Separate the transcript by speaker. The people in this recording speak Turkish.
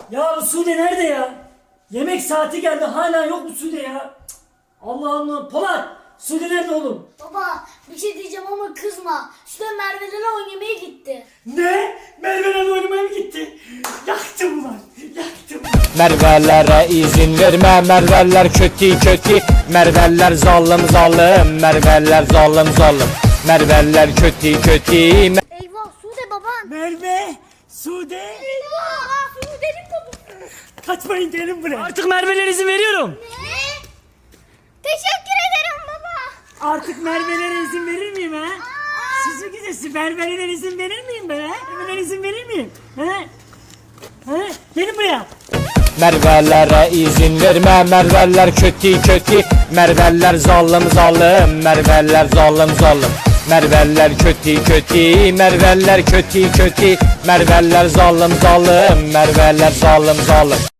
Speaker 1: Ya bu Sude nerede ya? Yemek saati geldi hala yok mu Sude ya? Cık, Allah Allah. Polat, Sude nerede oğlum?
Speaker 2: Baba bir şey diyeceğim ama kızma. Sude Merve'lere oynamaya gitti.
Speaker 1: Ne? Merve'yle oynamaya mı gitti? Yaktım lan. Yaktım.
Speaker 3: Mervelere izin verme, Merveller kötü kötü, Merveller zalim zalim, Merveller zalim zalim, Merveller kötü kötü.
Speaker 2: Eyvah Sude baban.
Speaker 1: Merve, Sude.
Speaker 2: Eyvah Sude'nin babası.
Speaker 1: Kaçmayın gelin buraya. Artık Merve'lere izin veriyorum.
Speaker 2: Ne? Teşekkür ederim baba.
Speaker 1: Artık Merve'lere izin verir miyim ha? Siz mi gidesiniz? Merve'lere izin verir miyim ben ha? Merve'lere izin verir miyim? Ha? Ha? Gelin buraya.
Speaker 3: Mervelere izin verme, Merveller kötü kötü, Merveller zalim zalim, Merveller zalim zalim, Merveller kötü kötü, Merveller kötü kötü, Merveller zalim zalim, Merveller zalim zalim.